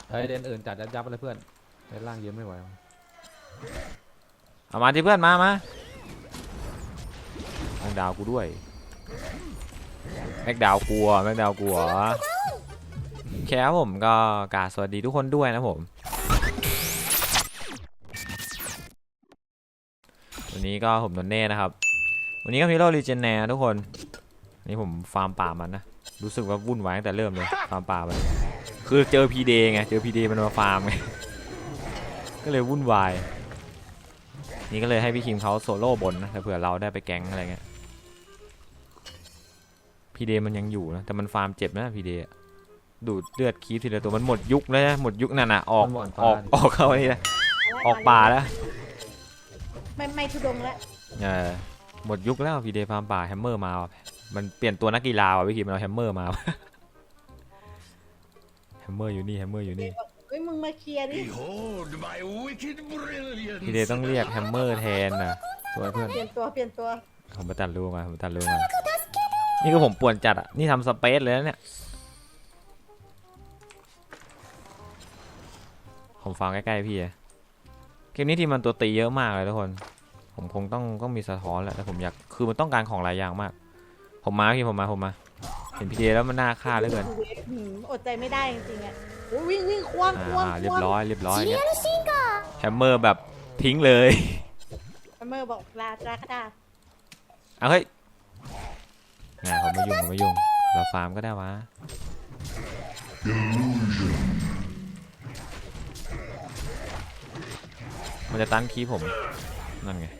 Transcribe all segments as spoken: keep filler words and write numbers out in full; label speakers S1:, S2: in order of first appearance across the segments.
S1: เฮ้ยเดนอื่นจัดยับยับเลยเพื่อนเดนล่างยืนไม่ไหว
S2: เอามาที่เพื่อนมามาแม็กดาวกูด้วยแม็กดาวกลัวแม็กดาวกลัวแค่ผมก็กราบสวัสดีทุกคนด้วยนะผมวันนี้ก็ผมนนเน่นะครับวันนี้ก็มีโลรีเจนแนร์ทุกคนนี่ผมฟาร์มป่ามันนะรู้สึกว่าวุ่นวายตั้งแต่เริ่มเลยฟาร์มป่ามันคือเจอพีเดไงเจอพีเดมันมาฟาร์มไงก็เลยวุ่นวายนี่ก็เลยให้พี่คิมเขาโซโล่บนนะเผื่อเราได้ไปแก๊งอะไรเงี้ยพีเดมันยังอยู่นะแต่มันฟาร์มเจ็บนะพีเดดูดเลือดคีบทีละตัวมันหมดยุคแล้วนะหมดยุคนั่นน่ะออกออกออกเข้าไปนี่นะออกป่าแล้ว
S3: ไม่ไม่ทุดงแล้ว
S2: เออหมดยุคแล้วพีเดฟาร์มป่าแฮมเมอร์มามันเปลี่ยนตัวนักกีฬาว่ะพี่คิมมันเอาแฮมเมอร์มาแฮมเมอร์อยู่นี่แฮมเมอร์อยู่นี่
S3: เฮ้ยมึงมาเคลียร์ดิ
S2: พีเดต้องเรียกแฮมเมอร์แทนนะ
S1: สวยเพื่อน
S3: เปลี่ยนตัวเปลี่ยนตัว
S2: ผมไปตัดรูมาผมตัดรูมานี่คือผมป่วนจัดอ่ะนี่ทำสเปซเลยนะเนี่ยผมฟังใกล้ๆพี่เกมนี้ที่มันตัวตีเยอะมากเลยทุกคนผมคงต้องต้องมีสะท้อนแหละแต่ผมอยากคือมันต้องการของหลายอย่างมากผมมาพี่ผมมาผมมาเห็นพีเดแล้วมันน่าฆ่าเหลือเกิน
S3: อดใจไม่ได้จริงๆอ่ะวิ่งวิ่งควงควง
S2: เรียบร้อยเรียบร้อยแฮมเมอร์แบบทิ้งเลย
S3: แฮมเมอร์บอกลาลาคาดา
S2: เอาเฮ้ยงานผมไม่ยุ่งผมไม่ยุ่งเราฟาร์มก็ได้วะมันจะตั้งคีผมนั่นไง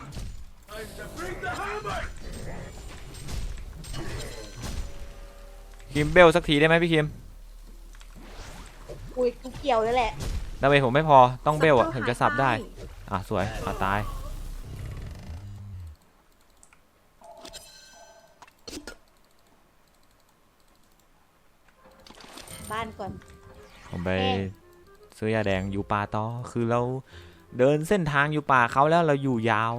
S2: คิมเบลสักทีได้ไหมพี่คิม
S3: อุ้ยกูเกี่ยวเลยแหละ
S2: ดาเมจผมไม่พอต้องเบลอะถึงจะสับได้อ่ะสวยอ่ะตาย
S3: บ้านก่อน
S2: ผมไปซื้อยาแดงอยู่ป่าต่อคือเราเดินเส้นทางอยู่ป่าเขาแล้วเราอยู่ยาว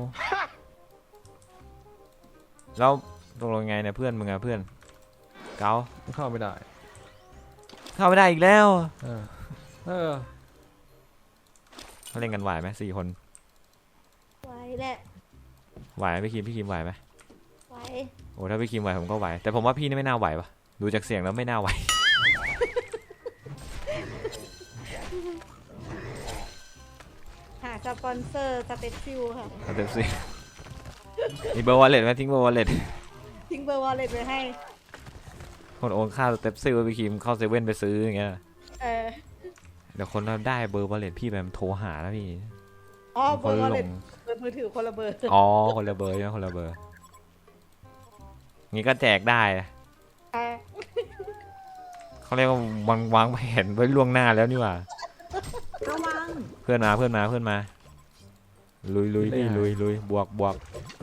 S2: แล้วตกลงไงเนี่ยเพื่อนมึงอะเพื่อนเกา
S1: เข้าไม่ได้
S2: เข้าไม่ได้อีกแล้ว
S1: เออเออ
S2: เขาเล่นกันไหวไหมสี่คน
S3: ไหวแหละ
S2: ไหวพี่คิมพี่คิมไหวไหม
S3: ไหว
S2: โอ้ถ้าพี่คิมไหวผมก็ไหวแต่ผมว่าพี่นี่ไม่น่าไหวปะดูจากเสียงแล้วไม่น่าไหว
S3: หาสปอนเซอร์สเปซซิลค่ะ
S2: สเปซซิลมีเบอร์วอลเล็ตไหมทิ้งเบอร์วอลเล็ต
S3: ทิ้งเบอร์วอลเล็ตไปให้
S2: คนโอนค่าสเต็ปซิลไปคิมเข้าเซเว่นไปซื้ออย่างเงี้ย
S3: เออ
S2: เดี๋ยวคนเราได้เบอร์วอลเล็ตพี่แบบโทรหาแล้วพี่
S3: อ๋อเบอร์วอลเล็ตเบอร์มือถือคนละเบอร์
S2: อ๋อคนละเบอร์นะคนละเบอร์งี้ก็แจกได้เขาเรียกว่าวางวางแผนไว้ล่วงหน้าแล้วนี่หว่าเพื่อนมาเพื่อนมาเพื่อนมาลุยลุยพี่ลุยลุยบวกบวก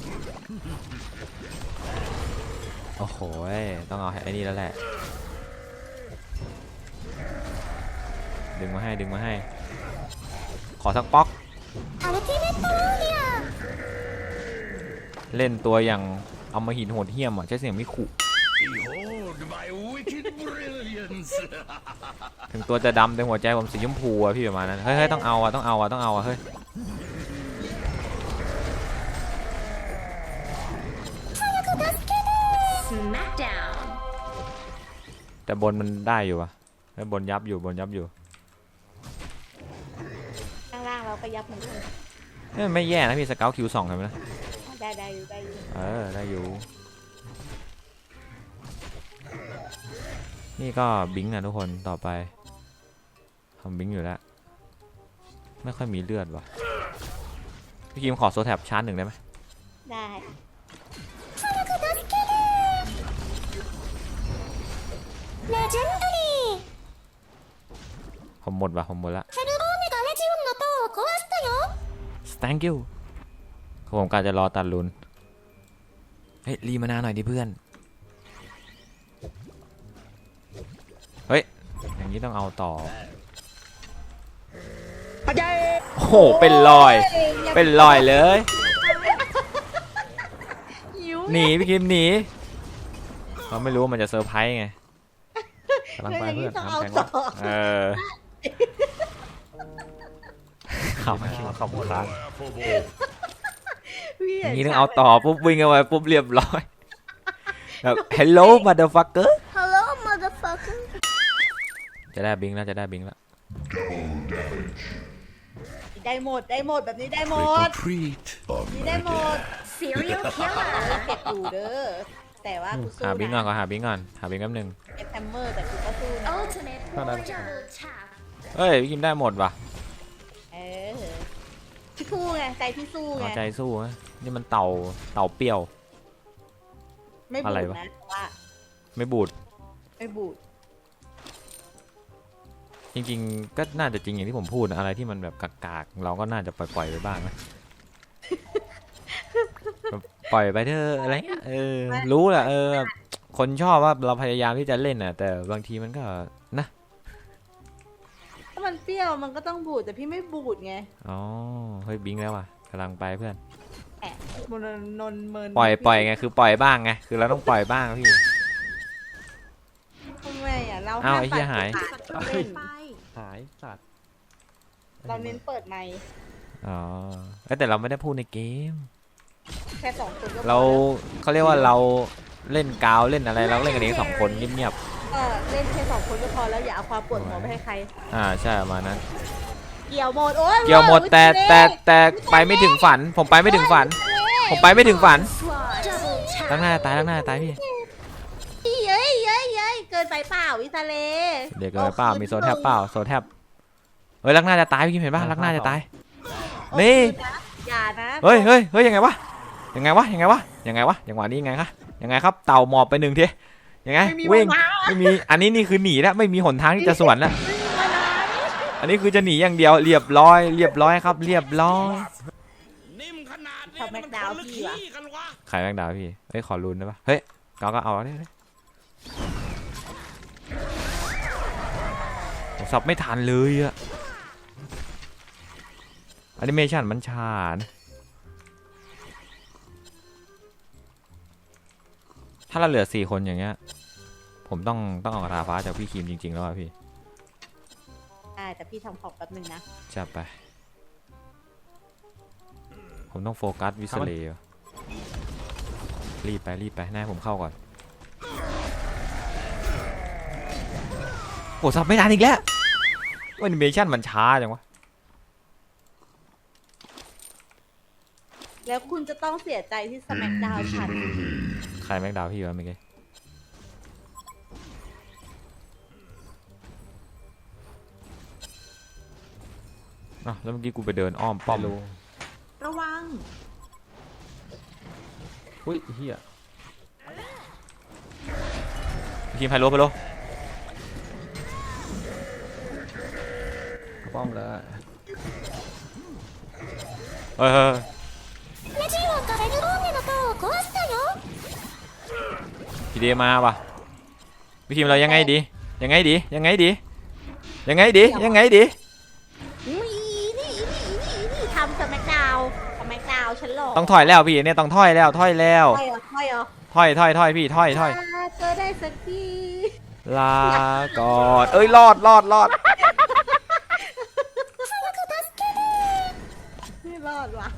S2: โอ้โหต้องเอาไอ้นี่แล้วแหละดึงมาให้ดึงมาให้ขอสักป๊อกเล่นตัวอย่างเอามาหินโหดเหี้ยมอ่ะใช้เสียงไม่ขู่ถึงตัวจะดำแต่หัวใจผมสีชมพูอ่ะพี่ประมาณนั้นเฮ้ยต้องเอาอ่ะต้องเอาอ่ะต้องเอาอ่ะเฮ้ยแต่บนมันได้อยู่ป่ะแล้วบนยับอยู่บนยับอยู่
S3: ข้างล่างเราก็ยับเหมือนกัน
S2: นี่ไม่แย่นะพี่สเกลคิวสองเห็นไหมนะ
S3: ได้ได้อยู่ได้อยู่
S2: เออได้อยู่นี่ก็บิงนะทุกคนต่อไปทำบิงอยู่แล้วไม่ค่อยมีเลือดว่ะพี่คิมขอโซแท็บชาร์จหนึ่งได้ไหม
S3: ได้
S2: ผมหมดว่ะผมหมดละ thank you ผมกะจะรอตัดลุนเฮ้ยรีมานาหน่อยดิเพื่อนเฮ้ยอย่างนี้ต้องเอาต่อโอ้โหเป็นรอยเป็นรอยเลยหนีพี่คิมหนีเขาไม่รู้ว่ามันจะเซอร์ไพรส์ไง
S1: กำลังไปเพื่อนทำแข่ง
S2: เออขำขำค้าง
S3: พี่
S2: อย่างนี้ต้องเอาต่อปุ๊บวิ่งเข้าไปปุ๊บเรียบร้อยแบบ hello motherfucker
S3: Hello motherfucker
S2: จะได้บิงแล้วจะได้บิงแล้ว
S3: ได้หมดได้หมดแบบนี้ได้หมด
S4: Treat of
S3: นี่ได้หมด
S5: Serial killer.
S3: เก็บอยู่เด้อแต่ว่ากูสู้
S2: หาบิงก่อน
S3: นะ
S2: ก็หาบิงก่อนหาบิงแป๊บนึง
S3: เก็บแฮมเมอร์แต่กูก็สู้นะ
S5: Ultimate
S1: Hold on.
S5: double tap.
S2: เฮ้ยพี่คิมได้หมดว่ะ
S3: เออพี่สู้ไงใจพี่สู้ไง
S2: เอาใจสู้นะนี่มันเต่าเต่าเปรี้ยว
S3: ไม่บู
S2: อะไร
S3: ด
S2: วะ
S3: นะเพราะว่า
S2: ไม่บูด
S3: ไม่บูด
S2: จริงๆก็น่าจะจริงอย่างที่ผมพูดนะอะไรที่มันแบบกากๆเราก็น่าจะปล่อยๆไปบ้างนะ แบบปล่อยไปเถอะอะไรเงี้ยเออรู้แหละเออคนชอบว่าเราพยายามที่จะเล่นน่ะแต่บางทีมันก็นะ
S3: ถ้ามันเปรี้ยวมันก็ต้องบูดแต่พี่ไม่บูดไง
S2: อ๋อเฮ้ยบิงแล้วว่ะกำลังไปเพื่อน
S3: แอะมนนนเมิน
S2: ปล่อยปล่อยไงคือปล่อยบ้างไงคือเราต้องปล่อยบ้างพี่
S3: ทำไมอ่ะเรา
S2: อ้าว
S3: ห้าม
S2: ไอ้เหี้ยหาย
S3: ปัดปากเล่น
S1: หายสัตว์
S3: เราเน้นเปิดไมค์
S2: อ๋อเอ้ยแต่เราไม่ได้พูดในเกม
S3: แค่สองคนก็พอ
S2: เรา
S3: แล้ว
S2: เขาเรียกว่าเราเล่นกาวเล่นอะไรเราเล่นกันเองสองคนเงียบ
S3: ก็เล่นแค่สองคนก็พอแล้วอย่าเอาความปวดหัวไปให้ใคร
S2: ๆอ่าใช่ประมาณนั้น
S3: เกี่ยวหมดโอ้ย
S2: เกี่ยวหมด
S3: อุ๊
S2: แต่
S3: เจ๊
S2: แต่แต่ไปไม่ถึงฝัน ผมไปไม่ถึงฝัน ผมไปไม่ถึงฝัน
S5: Double
S2: ตั้ง
S5: tap.
S2: หน้าตายตั้งหน้าตายพี่
S3: เย้ยเย้ยเย้ยเกินไปเปล่าวิทะเล
S2: เดี๋ยวเกินไปเปล่ามีโซแทบเปล่าโซแทบเฮ้ยลักหน้าจะตายพี่เห็นป่ะลักหน้าจะตาย นี่
S3: อย่านะ
S2: เฮ้ยเฮ้ยเฮ้ยยังไงวะยังไงวะยังไงวะยังไงวะจังหวะนี้ยังไงคะยังไงครับเต่าหมอบไปหนึ่งทียังไง
S3: ไม่มี
S2: วิ่ง
S3: เวลา
S2: ไม่มีอันนี้นี่คือหนีแล้วไม่มีหนทางที่จะสวนแล้ว
S3: ไม่มีเวลา
S2: อันนี้คือจะหนีอย่างเดียวเรียบร้อยเรียบร้อยครับเรียบร้อย
S6: นิ่มขนาดนี้
S3: ทำแม็กดาวน์พี่วะ
S6: ขี้กันวะ
S2: ขายแมงดาพี่เฮ้ยขอรุนได้ปะเฮ้ยก็ก็เอาเนี่ยผมสับไม่ทันเลยอะแอนิเมชันมันช้านะถ้าเราเหลือสี่คนอย่างเงี้ยผมต้องต้องเอากระทาฟ้าจากพี่คิมจริงๆแล้วอะพี่
S3: อ่าแต่พี่ทำของแป๊บนึงนะ
S2: จับไป ผมต้องโฟกัสวิสเลย์ว่ะรีบไปรีบไปหน้าให้ผมเข้าก่อนโอ้สับไม่ทันอีกแล้วแอนิเมชันมันช้าจังวะ
S3: แล้วคุณจะต้องเสียใจที่สมัคดาวฉัน
S2: ใครแม็กดาวพี่วะเมื่อกี้อ้าวแล้วเมื่อกี้กูไปเดินอ้อมป้อม
S1: ไม่รู้
S3: ระวัง
S1: อุ้ยเฮีย
S2: พี่คิมไฮโลไปโล
S1: ป้อมเลย
S2: เฮ้ยเฮ้ย
S5: レジオンがレグローネの塔を壊したよ。
S2: พี่เดมาป่ะพี่คิมเรายังไงดียังไงดียังไงดียังไงดียังไงดี
S3: นี่นี่นี่นี่นี่ทำสมัคดาวสมัคดาวฉันหลอก
S2: ต้องถอยแล้วพี่เนี่ยต้องถอยแล้วถอยแล้ว
S3: ถอยเหรอถอยเหรอ
S2: ถอยถอยถอยพี่ถอยถอย
S3: าเจอได้สักที
S2: ลาก่อนเอ้ยรอดรอดรอด
S3: ไม่รอดว่ะ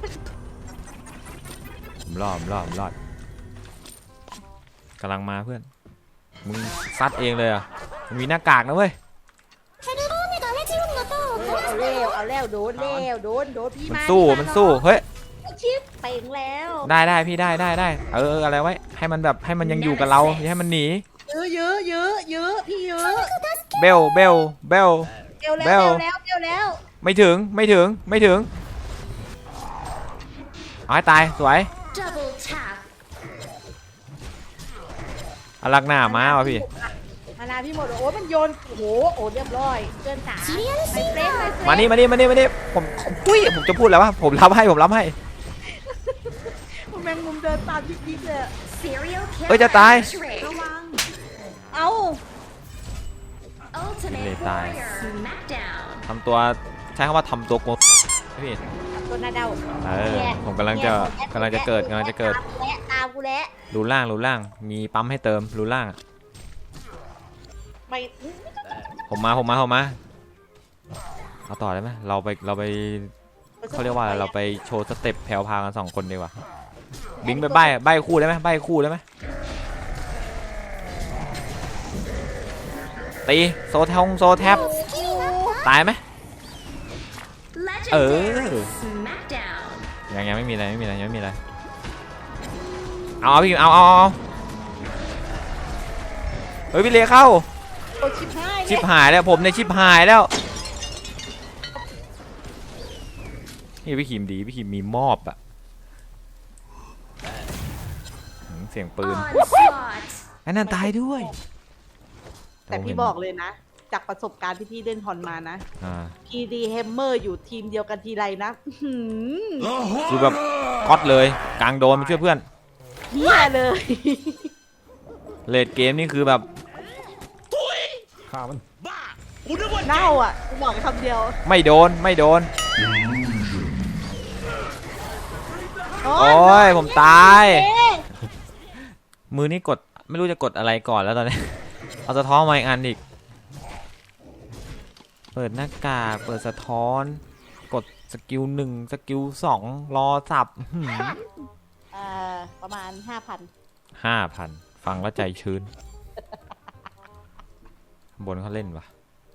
S2: ผมรอดผมรอดผมรอดกำลังมาเพื่อนมึงซัดเองเลยอ่ะมันมีหน้ากากนะเว้ย
S5: ヘルローネがレジオンの塔を
S3: เออ
S5: 壊
S3: เอา
S5: した
S3: เร็ว
S5: よ。
S3: เอาแล้วโดนแล้วโดนโดนพี่
S2: มัน
S3: มา
S2: สู้
S3: พี่า
S2: มันสู้เฮ้ย
S3: ชิปเป่งแล้ว
S2: ได้ได้พี่ได้ได้ได้เออเอออะไรไว้ให้มันแบบให้มันยังอยู่กับเราอย่าให้มันหนี
S3: ยื้อยื้อยื้อยื้อพี่ยื้อ
S2: เบลเบลเบล
S3: เร็วแล้ว
S2: เบ
S3: เร็
S2: ล
S3: วแล้วเร็วแล้ว
S2: ไม่ถึงไม่ถึงไม่ถึงเอาให้ตายสวย
S5: Double tap.
S2: อารักหน้าม้าวะพี่
S3: มานาพี่หมดโอ้ยมันโยนโอ้โหโอ้เรียบร้อยเกินสา
S5: シリアル
S3: ไป
S5: シン
S3: เฟรน
S5: ガ
S3: ไป
S5: ー。
S3: เฟร
S2: มาน นี่มานี่มานี่มานี่ผมอุ้ยผมจะพูดแล้วว่าผมรับให้ผมรับให้
S3: แมงมุมเดินตามยิกๆเลย
S5: Serial
S2: เอ้ย
S5: killer.
S2: จะตาย
S5: Trick.
S3: ระวังเอ้า
S5: Ultimate
S2: Để tài.
S5: warrior. Smackdown.
S2: ทำตัวใช้คำว่าทำตัวโกงพี่
S3: ตัวนาเดา
S2: เออผมกำลังจะกำลังจะเกิดกำลังจะเกิด
S3: และตามกูแล้ว
S2: รูล่างรูล่างมีปั๊มให้เติมรูล่างอะ
S3: ไป
S2: ผมมาผมมาผมมาเอาต่อได้ไหมเราไปเราไปเขาเรียกว่าอะไรเราไปโชว์สเต็ปแพรวพากันสองคนดีกว่าบิงไปใบ้ใบ้คู่ได้ไหมใบ้คู่ได้ไหมตีโซแทงโซแทบตายไหมเออยังยังไม่มีอะไรไม่มีอะไรยังไม่มีอะไรเอาเอาพี่เอาเอาเอาเฮ้ยพี่เลเข้า
S3: โอ้ชิบหาย
S2: ชิบหายแล้วผมในชิบหายแล้วนี่พี่ขิมดีพี่ขิมมีมอบอะเสียงปืนไอ้นั่นตายด้วย
S3: แต่พี่บอกเลยนะ จากประสบการณ์ที่พี่เล่นฮอนมานะ
S2: อ่า
S3: พี ดี Hammer อยู่ทีมเดียวกันทีไรนะอื้อหือ
S2: คือแบบก๊อตเลยกลางโดนมาช่วยเพื่อน
S3: เฮียเลย
S2: เลดเกมนี่คือแบบ
S1: ฆ่ามัน
S6: บ้ากูนึกว่า
S3: เน่าอ่ะกูบอกคำเดียว
S2: ไม่โดนไม่โดน
S3: โอ้
S2: โอ้ยผมตาย
S3: เอ๊ะ
S2: มือนี่กดไม่รู้จะกดอะไรก่อนแล้วตอนนี้ เอาสะท้อนมาอีกอันอีกเปิดหน้ากากเปิดสะท้อนกดสกิลหนึ่งสกิลสองรอสับ
S3: เอ่อประมาณห้าพัน
S2: ห้าพันฟังแล้วใจชื้น บนเขาเล่นวะ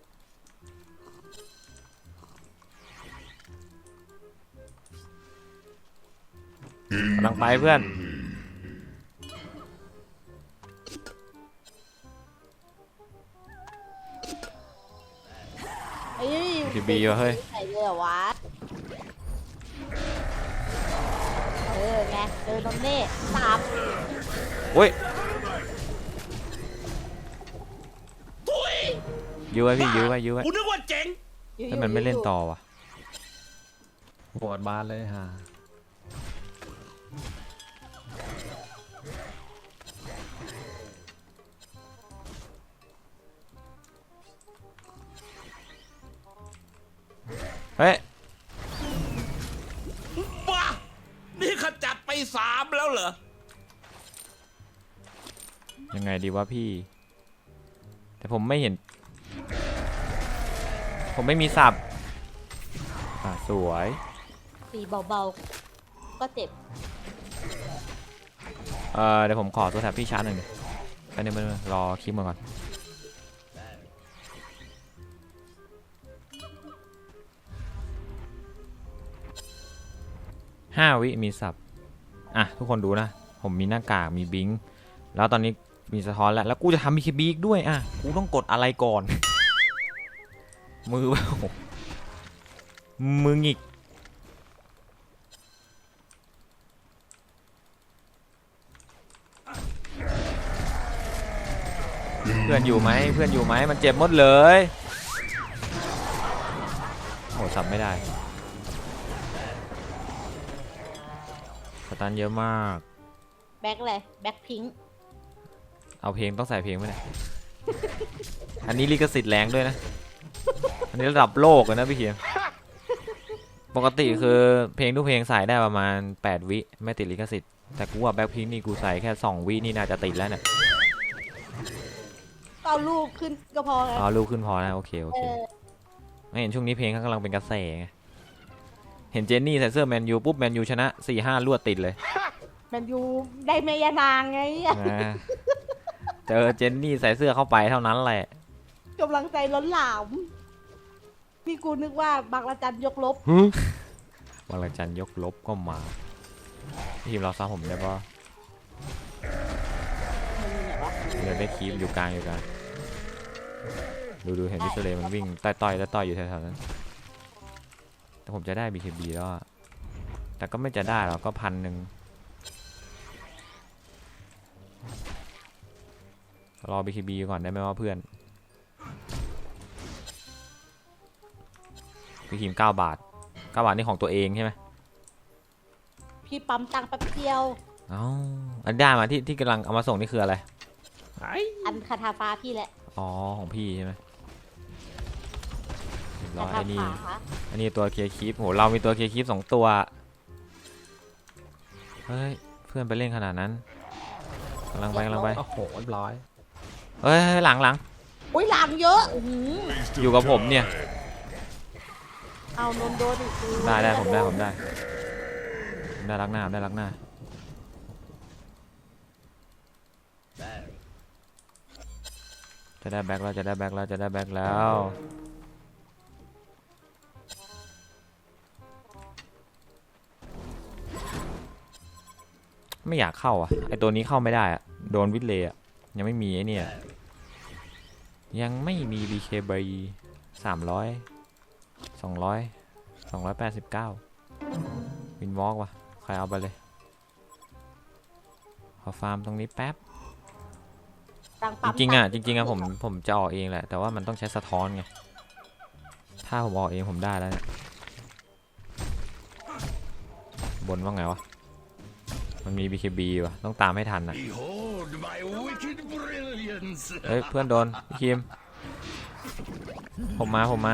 S2: กำลังไปเพื่อน
S3: เอ้ย
S2: พีบีวะเฮ้ย
S3: ใส่เลยเหรอวะ เออไงเจอนมเน่สาม
S2: โอ้ย
S6: ทุย
S2: ยื้อไว้พี่ยื้อไว้ยื้อไว้
S6: กูนึกว่าเจ๋ง
S3: อยู่
S2: แล้วมันไม่เล่นต่อวะ
S1: ปวดบานเลยฮะ
S2: เฮ้ย
S6: บ้านี่ขจัดไปสามแล้วเหรอ
S2: ยังไงดีวะพี่ แต่ผมไม่เห็น ผมไม่มีสับอ่ะสวย
S3: สีเบาๆ ก็เจ็บ
S2: เออเดี๋ยวผมขอตัวแถบพี่ชาร์จหน่อยดิไปบนึงไปบนึงรอคลิปมาก่อนห้าวิมีสับอ่ะทุกคนดูนะ ผมมีหน้ากากมีบิงค์แล้วตอนนี้มีสะท้อนแล้วแล้วกูจะทำมีเคบีอีกด้วยอ่ะกูต้องกดอะไรก่อน มือแบบมือหงิกเพื่อนอยู่ไหมเพื่อนอยู่ไหมมันเจ็บหมดเลยโหสับไม่ได้สตันเยอะมาก
S3: แบ็คเลยแบ็คพิงค์
S2: เอาเพลงต้องใส่เพลงไหมเนี่ย อันนี้ลิขสิทธิ์แรงด้วยนะ อันนี้ระดับโลกเลยนะพี่เขียนปกติคือเพลงทุกเพลงใส่ได้ประมาณแปดวิไม่ติดลิขสิทธิ์แต่กูว่าแบ็คพิงค์นี่กูใส่แค่สองวินี่น่าจะติดแล้วเนี่ย
S3: เอารูปขึ้นก็พอไง
S2: อ๋อลูกขึ้นพอนะโอเคโอ
S3: เอ
S2: เค
S3: อ
S2: ไม่เห็นช่วงนี้เพลงเขากำลังเป็นกระแสไงเห็นเจนนี่ใส่เสื้อแมนยูปุ๊บแมนยูชนะสี่ห้ารวดติดเลย
S3: แมนยูได้เมยานางไง
S2: อ่าเจอเจนนี่ใส่เสื้อเข้าไปเท่านั้นแหละ
S3: กำลังใจล้นหลามพี่กูนึกว่าบางระจันยกลบ
S2: วันละจันทร์ยกลบก็มาทีมเราซ้ำผมได้ปะเดี๋ยวได้คีบอยู่กลางอยู่กลางดูดูเห็นวิสเลมันวิ่งใต้ต้อยใต้ต้อยอยู่แถวๆนั้นแต่ผมจะได้ บี เค บี แล้วอะแต่ก็ไม่จะได้หรอกก็พันหนึ่งรอ บี เค บี ก่อนได้ไหมว่าเพื่อนพี่ทีมเก้าบาทเก้าบาทนี่ของตัวเองใช่ไหม
S3: พี่ปั๊มตังค์แป๊บเดียว
S2: เอ้าอันได้มาที่ที่กำลังเอามาส่งนี่คืออะไร
S3: อันคาถาฟ้าพี่แหละ
S2: อ๋อของพี่ใช่ไหมรอ
S3: คาถา
S2: ไอ้นี่
S3: ฟ้า
S2: อันนี้ตัวเคลียร์คีปโหเรามีตัวเคลียร์คีปสองตัวเฮ้ยเพื่อนไปเล่นขนาดนั้นกำลังไปกำลังไป
S1: โอ้โหเรียบร้อย
S2: เฮ้ยหลังหลัง
S3: อุ้ยหลังเยอะอื้อหือ
S2: อยู่กับผมเนี่ย
S3: เอานนโดนอีก
S2: ได้ได้ผมได้ผมได้ผมได้รักหน้าผมได้รักหน้าจะได้แบ็คแล้วจะได้แบ็คแล้วจะได้แบ็คแล้วไม่อยากเข้าอ่ะไอตัวนี้เข้าไม่ได้อ่ะโดนวิดเลยอ่ะยังไม่มีไอเนี่ยยังไม่มี บี เค B สามร้อยสองร้อยสองร้อยแปดสิบเก้าวินวอล์กว่ะใครเอาไปเลยขอฟาร์มตรงนี้แป๊บจริงๆอ่ะจริงๆอ่ะผมผมจะออกเองแหละแต่ว่ามันต้องใช้สะท้อนไงถ้าผมออกเองผมได้แล้วเนี่ยบนว่าไงวะมันมี บี เค บี ว่ะต้องตามให้ทันอ่ะเฮ้ยเพื่อนโดนพี่คิมผมมาผมมา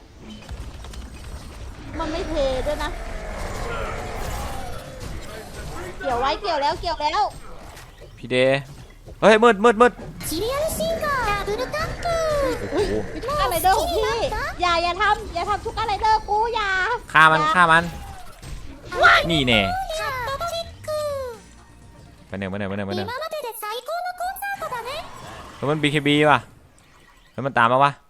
S3: มันไม่เทด้วยนะเกี่ยวไว้เกี่ยวแล้วเกี่ยวแล้ว
S2: พี่เดเฮ้ยมืดมืดมืด
S5: シリアルシンガーダブルタップ
S2: โอ้โห
S3: ทุกอะไรเดอร์ของพี่อย่าอย่าทำอย่าทำทุกอะไรเดอร์กูอย่า
S2: ฆ่ามันฆ่ามันนี่แน่
S5: チャットチェック
S2: ไปหนึ่งไปหนึ่งไปหนึ่งไปหนึ่ง
S5: 今までで最高のコンサートだね
S2: แล้วมัน บี เค บี ว่ะแล้วมันตามมาวะ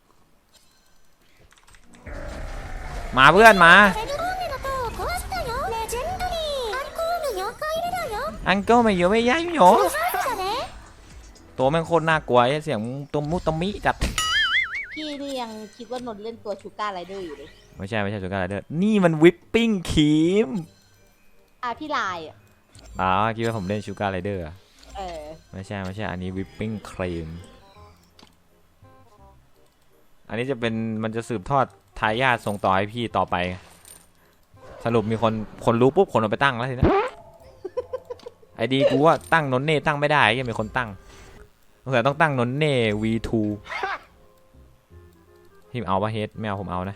S2: มาเพื่อนมา
S5: セルローネの塔を壊したよレジェンドリーアンコールよんかい目だよ
S2: อังเกิลไม่เยอะไม่ย้ายไม่หย
S5: フ
S2: อ
S5: ルハーフだね
S2: ตัวแม่งโคตรน่ากลัวไอ้เสียงตุมมุตมิจัด
S3: พี่นี่ยังคิดว่านนท์เล่นตัวชูการ์ไรเดอร์อยู่เลย
S2: ไม่ใช่ไม่ใช่จุกาไรเดอร์นี่มันวิปปิ้งครีม
S3: อ่ะพี่ลายอ่ะ
S2: อ๋อคิดว่าผมเล่นชูการไรเดอร์
S3: เออ
S2: ไม่ใช่ไม่ใช่อันนี้วิปปิ้งครีมอันนี้จะเป็นมันจะสืบทอดทายาทส่งต่อให้พี่ต่อไป สรุปมีคนคนรู้ปุ๊บคนเอาไปตั้งแล้วทีนี้ ไอดีกูว่าตั้งนนเน่ตั้งไม่ได้ยังมีคนตั้งสงสัยต้องตั้งนนเน่ วี ทู พี่เอาปะเฮดไม่เอาผมเอานะ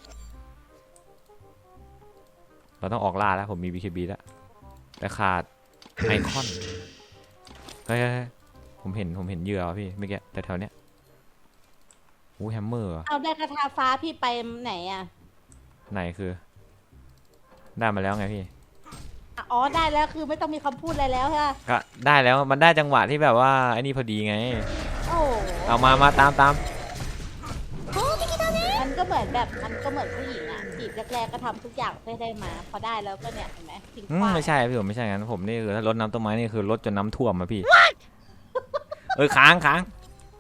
S2: เราต้องออกล่าแล้วผมมี บี เค บี แล้วแต่ขาดไอคอนเฮ้ยผมเห็นผมเห็นเหยื่อพี่เมื่อกี้แต่แถวเนี้ยอู้แฮมเมอร์
S3: เอาได้คาถาฟ้าพี่ไปไหนอ่ะ
S2: ไหนคือได้มาแล้วไงพี่
S3: อ่ะอ๋อได้แล้วคือไม่ต้องมีคำพูดอะไรแล้วใช่ไหม
S2: ก็ได้แล้วมันได้จังหวะที่แบบว่าไอ้นี่พอดีไง
S3: โอ้
S2: เอามามาตามตาม
S5: 攻撃だね
S3: มันก็เหมือนแบบมันก็เหมือนผู้หญิงอ่ะจีบแรกๆก็ทำทุกอย่างเพื่อได้มาพอได้แล้วก็เนี่ยเห็นไหมทิ้ง
S2: อื
S3: ข
S2: ม
S3: ว้าง
S2: ไม่ใช่พี่ผมไม่ใช่งั้นผมนี่คือถ้ารดน้ำต้นไม้นี่คือรดจนน้ำท่วมมาพี่ เออค้างค้าง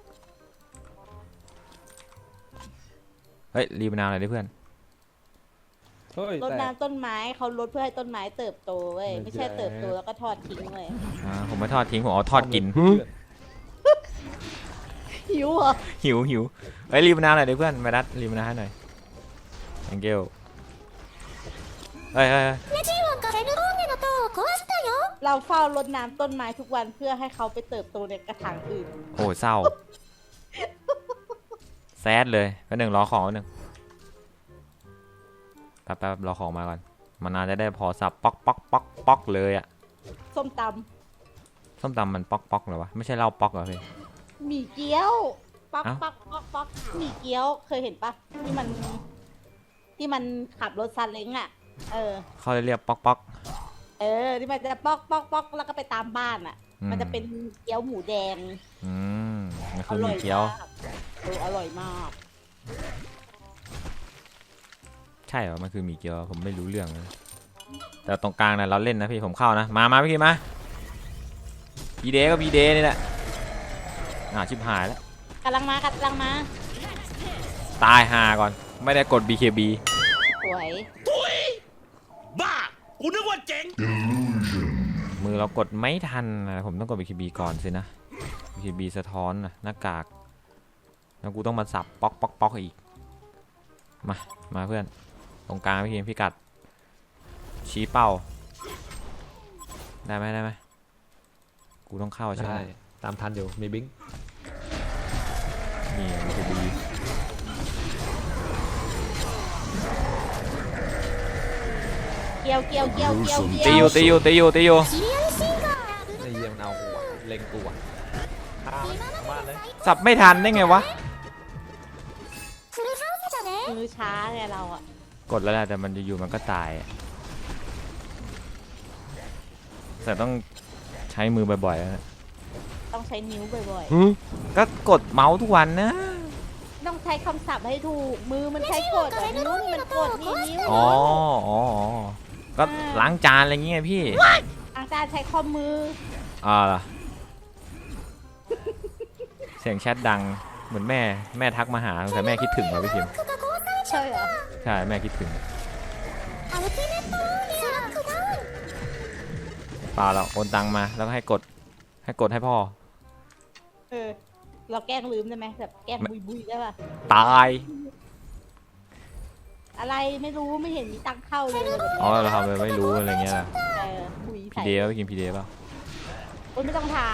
S2: เฮ้ยรีบนาวหน่อยดิเพื่อน
S1: เฮ้ย
S3: รด
S1: แต่
S3: น้ำต้นไม้เขารดเพื่อให้ต้นไม้เติบโตเว้ย
S1: ไม่
S3: ไม่
S1: ใช่
S3: ใช่เติบโตแล้วก็ทอดทิ้งเว้ย
S2: อ่าผมไม่ทอดทิ้งผมเอาทอดกิน
S3: หิวเหรอ
S2: หิวหิวเฮ้ยรีบนาวหน่อยดิเพื่อนมาดัดรีบนาวให้หน่อย thank you เฮ้ยเฮ้ยเฮ้ย
S5: ネジーワンがセルローネの塔を壊したよ
S3: เราเฝ้ารดน้ำต้นไม้ทุกวันเพื่อให้เขาไปเติบโตในกระถางอื่น
S2: โอ้เศร้าแซดเลยแป๊บหนึ่งรอของแป๊บหนึ่งแป๊บแป๊บรอของมาก่อนมันน่าจะได้พอสับป๊อกป๊อกป๊อกป๊อกเลยอะ
S3: ส้มต
S2: ส้มตำมันป๊อกป๊อกเหรอวะไม่ใช่เหล้าป๊อกเหรอพี่
S3: ำหมี่เกี๊ยวป๊อก
S2: เอ้า
S3: ป๊อกป๊อกป๊อกหมี่เกี๊ยวเคยเห็นปะที่มัน ที่มันขับรถซาเล้งอ่ะ เออ
S2: เขาเลยเรียกป๊อกป๊อก
S3: เออที่มันจะป๊อกป๊อกป๊อกแล้วก็ไปตามบ้านอ่ะ
S2: อืม
S3: มันจะเป็นเกี๊ยวหมูแดง
S2: อืมมัน
S3: อ
S2: คือห
S3: ร่
S2: มี
S3: อย
S2: เกี๊ยว
S3: มากเอออร่อยมาก
S2: ใช่เหรอมันคือหมีเกี๊ยวผมไม่รู้เรื่องเลยแต่ตรงกลางนะเราเล่นนะพี่ผมเข้านะมามาพี่มาพีเดก็พีเดนี่แหละอ่าชิบหายแล้ว
S3: กำลังมากำลังมา
S2: ตายหาก่อนไม่ได้กด บี เค บี
S3: สวย
S6: บ้า กูนึกว่าเจ๋ง
S2: มือเรากดไม่ทันนะผมต้องกด บี เค บี ก่อนสินะ บี เค บี สะท้อนนะหน้ากากแล้วกูต้องมาสับป๊อกป๊อกป๊อกอีกมามาเพื่อนตรงกลางพี่พี่กัดชี้เป้าได้ไหมได้ไหมกูต้องเข้าใช่ไหม
S1: ได้ตามทันอยู่มีบิง
S2: นี่ บี เค บี
S3: เกี๊ยวเกี๊ยวเกี๊ยวเกี๊ยวเกี๊
S2: ตี
S3: ย
S2: อ
S3: ว
S2: ยู่ตีอยู่ตีอยู่ตีอยู่
S5: シリアルシンガーダブル
S1: ไอ้เยี่ยมนเอาหัวเล็งกูอ่ะข้ามบ้านเลย
S2: สับไม่ทันได้ไงวะ
S5: フルハウスだね
S3: มือช้าไงเราอะ
S2: กดแล้วแหละแต่มันอยู่ๆมันก็ตายอะแต่ต้องใช้มือบ่อยๆนะ
S3: ต้องใช้นิ้วบ่อย
S2: ก็กดเมาส์ทุกวันนะ
S3: ๆต้องใช้คำศัพท์ให้ถูกมือมันใช้กดอะนิ้วมันกดนี่นิ้ว
S2: อ๋ออ๋ออ๋อก็ล้างจานอะไรเงี้ยพี่
S3: อาจารย์ใช้ข้อมือ
S2: อ่าล่ะเสียงแชทดังเหมือนแม่แม่ทักมาหาแต่แม่คิดถึงเราพี่พิม
S3: ใช่เหรอ
S2: ใช่แม่คิดถึง
S5: アルティメットローリアロックダウン
S2: เปล่าเราโอนตังมาแล้วก็ให้กดให้กดให้พ่อ
S3: เออเราแกล้งลืมได้ไหมแบบแกล้งบุยบุยๆได้ป่ะ
S2: ตาย
S3: อะไรไม่รู้ไม่เห็นมีตังค์เข้าเลย
S2: อ๋อเราทำไปไม่รู้อะไรเงี้ยล่ะ
S3: เออบุย
S2: พี
S3: ใส่
S2: เดย์ป่ะกินพีเดย์ป่ะ
S3: โอ้ยไม่ต้องถาม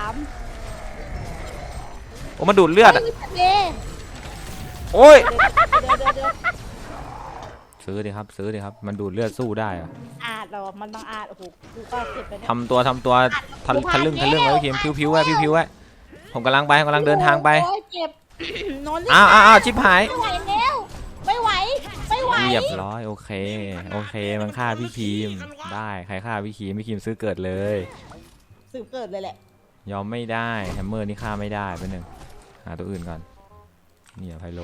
S2: โอ้มาดูดเลือดอ่ะ
S3: ฮ้ยเดี๋ยว
S2: โอ้ย
S3: เดี๋ยวเดี๋ยวเดี๋ยว
S2: ซื้อดิครับซื้อดิครับมันดูดเลือดสู้ได้อะ
S3: อาดเราอะมันต้องอาดโอ้โหกูก็เก็บไปเนี่ย
S2: ทำตัวทำตัวทะทะลึ่งทะลึ่งไว้พี่พิมพิ้วๆไว้พิ้วๆไว้ผมกำลังไปกำลังเดินทางไป
S3: โอ้ยเจ็บ นอนรีบ
S2: อ้าวอ้าวอ้าวชิบหาย
S3: ไม่ไหวแล้วไม่ไหวไม่ไหว
S2: เรียบร้อยโอเคโอเคมันฆ่าพี่คีมได้ใครฆ่าพี่คีมพี่คีมซื้อเกิดเลย
S3: สืบเกิดเลยแหละ
S2: ยอมไม่ได้แฮมเมอร์นี่ฆ่าไม่ได้เป็นหนึ่งหาตัวอื่นก่อนเนี่ยไพโล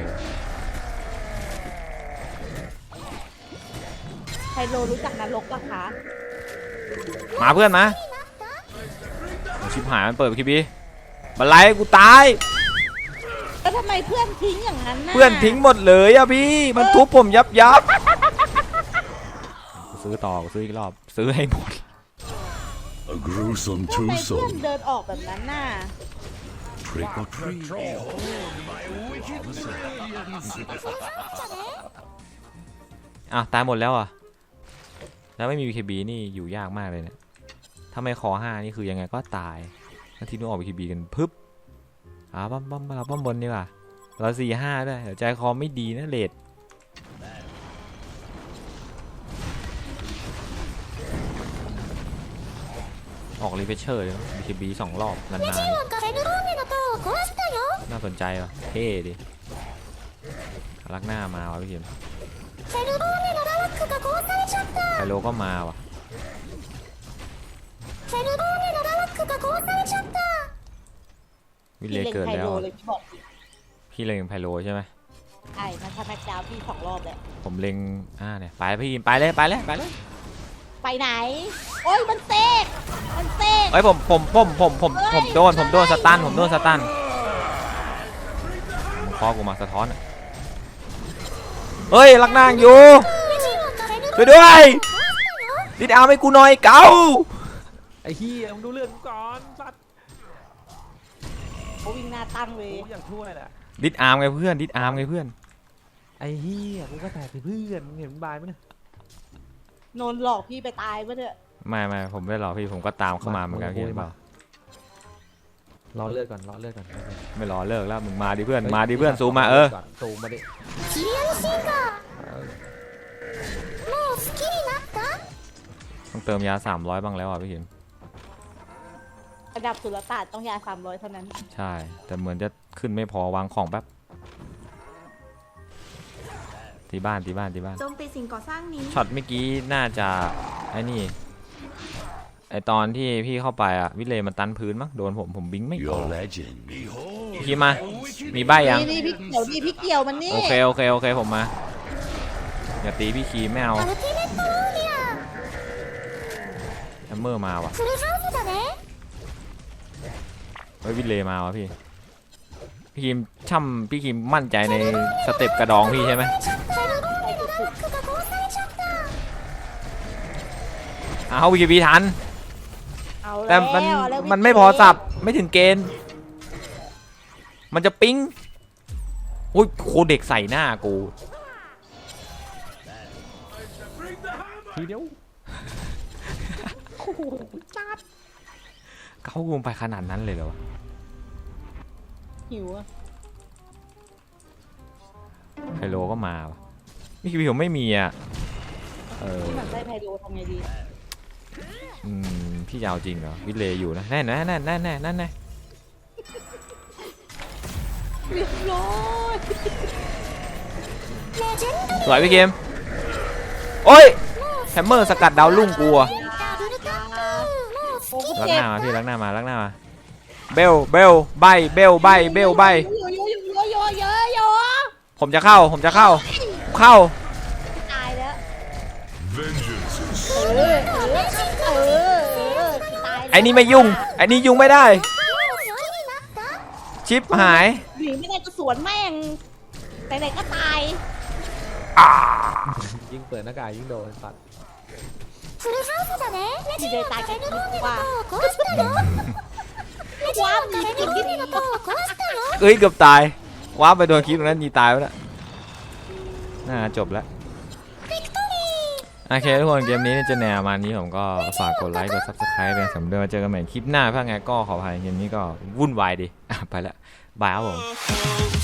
S3: ไฮโลรู้จักนรกปะคะ
S2: มาเพื่อนมาชิบหายมันเปิดคีบีบันไลกูตาย
S3: แล้วทำไมเพื่อนทิ้งอย่างนั้นน่ะ
S2: เพื่อนทิ้งหมดเลยอะพี่มันทุบผมยับยับกูซื้อต่อกูซื้ออีกรอบซื้อให้หมด
S4: A gruesome
S3: ทำไมเพื่อน
S4: twosome.
S3: เดินออกแบบนั้นน่ะ
S4: Trick or treat.
S2: อ้าวตายหมดแล้วอ่ะแล้วไม่มี บี เค บี นี่อยู่ยากมากเลยเนี่ยถ้าไม่คอห้านี่คือยังไงก็ตายแล้วที่นู้นออก บี เค บี กันพึบอ่าปั๊มปั๊มเราปั๊มบนดีกว่าเราสี่ห้าด้วยเดี๋ยวใจคอไม่ดีนะเลดออกรีเฟชเชอร์เลย บี เค บี สองรอบนาน
S5: ネジロンがセルローネの塔を壊したよ
S2: ๆน่าสนใจว่ะเท่ดิรักหน้ามาวะพี่เข็ม
S5: セルローネのラロックが壊されちゃった
S2: ไคโลก็มาว่ะ
S5: セルローネのラロックが壊されちゃった
S2: วิ
S3: พี่
S2: เล
S3: เล็ง
S2: เกิด
S3: ไฮ
S2: แล้ว
S3: โล
S2: อะ
S3: เลยพี่บอก
S2: พี่เล็งไพโลใช่ไหม
S3: ไอ้มันทำแม็กดาวน์พี่สองรอบแล้ว
S2: ผมเล็งอ่าเนี่ยไปพี่ไปเลยไปเลยไปเลย
S3: ไปไหน โอ้ยมันเซกมันเซก
S2: เอ้ยผมผมผมผมผมผมโดนผมโดนสตันผมโดนสตันมึงคอกูมาสะท้อนอะเฮ้ยลักนางอยู่
S5: ネジロンがセルロー
S2: ช่วยด้วย
S5: ネを壊したよ
S2: ดิดเอาให้กูหน่อยเก๋า
S1: ไอ้เหี้ยมึงดูเลือดกูก่อนสัตว์
S3: เขาวิ่งหน้าตั้งเลย
S1: กูอยากช่วยแหละ
S2: ดิดอาร์มไงเพื่อนดิดอาร์มไงเพื่อน
S1: ไอ้เหี้ยกูก็แตกไปเพื่อนมึงเห็นมึงบายไหมเนี่ย
S3: โนนหลอกพี่ไปตายปะเนี่ย
S2: ไม่ไม่ผมไม่หรอกพี่ผมก็ตามเข้ามาเหมือนกันพี่เปล่าร
S1: อเลือดก่อนรอเลือดก่อน
S2: ไม่รอเลิกแล้วมึงมาดิเพื่อนมาดิเพื่อนซูมมาเออ
S1: ซูมมาดิ
S5: キリアルシンガーもう好きになった
S2: ต้องเติมยาสามร้อยบ้างแล้วอ่ะพี่เข็ม
S3: ระดับสุลต่านต้องยาสามร้อยเท่านั้น
S2: ใช่แต่เหมือนจะขึ้นไม่พอวางของแป๊บที่บ้านที่บ้านที่บ้าน
S5: โจมตีสิ่งก่อสร้างนี้
S2: ช็อตเมื่อกี้น่าจะไอ้นี่ไอตอนที่พี่เข้าไปอ่ะวิเลย์มันตันพื้นมั้งโดนผมผมบิงไม่ออก
S4: Your legend.
S2: พี่มามีใบยัง
S3: นี่นี่พี่เกี่ยวนี่พี่เกี่ยวมันนี่
S2: โอเคโอเคโอเคผมมาอย่าตีพี่คีไม่เอา
S5: アルティメットローリア
S2: แฮมเมอร์มาว่ะ
S5: フルハウスだね
S2: เฮ้ยวิเลย์มาวะพี่พี่คีมช่ำพี่คีมมั่นใจในสเต็ปกระดองพี่ใช่ไหม
S5: セルローネのラロックが壊されちゃった
S2: เอาวีพีทัน
S3: เอา
S2: แต่
S3: แล้ว
S2: มัน
S3: เอาแล้ว
S2: มันไม่พอสับไม่ถึงเกณฑ์ มันจะปิ๊งโอ้ยโคเด็กใส่หน้ากู
S1: ทีเดียว
S2: เขากูไปขนาดนั้นเลยเหรอวะ
S3: หิวอะ
S2: ไฮโลก็มาวะนี่คือผมไม่มีอ่ะเออ
S3: ที่มันได้ไพโลทำไงดี
S2: อืมพี่จะเอาจริงเหรอวิเลย์อยู่นะแน่แน่แน่แน่แน่นั่นแน่
S3: เรียบร้อย
S2: สวยพี่เกมโอ้ยแฮมเมอร์สกัดดาวลุ่งกูอะ
S3: โอ้โห
S2: ลัก
S3: เจ็
S2: ห
S3: บ
S2: น้ามาพี่ลักหน้ามาลักหน้ามาเบลเบลใบเบลใบเบลใบ
S3: โยโยโยโยโยโย
S2: ผมจะเข้าผมจะเข้าเข้า
S3: ตายแล้ว
S4: Vengeance is
S3: เออเออเออเออตายแล้ว
S2: ไอ้นี่ไม่ยุ่งไอ้นี่ยุ่งไม่ได้ชิปหาย
S3: หนีไม่ได้ก็สวนแม่งไหนๆก็ตาย
S1: ยิ่งเปิดหน้ากากยิ่งโดนสัตว์
S5: フルハウスだねレジの壁のローメの塔を壊したよレジの壁のローメの塔を壊したよ
S2: เอ้ยเกือบตายว้าไปโดนคลิปตรงนั้นยีตายไปแล้วน่าจบแล้วโอเคทุกคนเกมนี้จะแนวประมาณนี้ผมก็ฝากกดไลค์กดซับสไครป์เป็นสำเร็จมาเจอกันใหม่คลิปหน้าถ้าไงก็ขออภัยเกมนี้ก็วุ่นวายดีอ่ะไปแล้วบายครับผม
S6: Oh,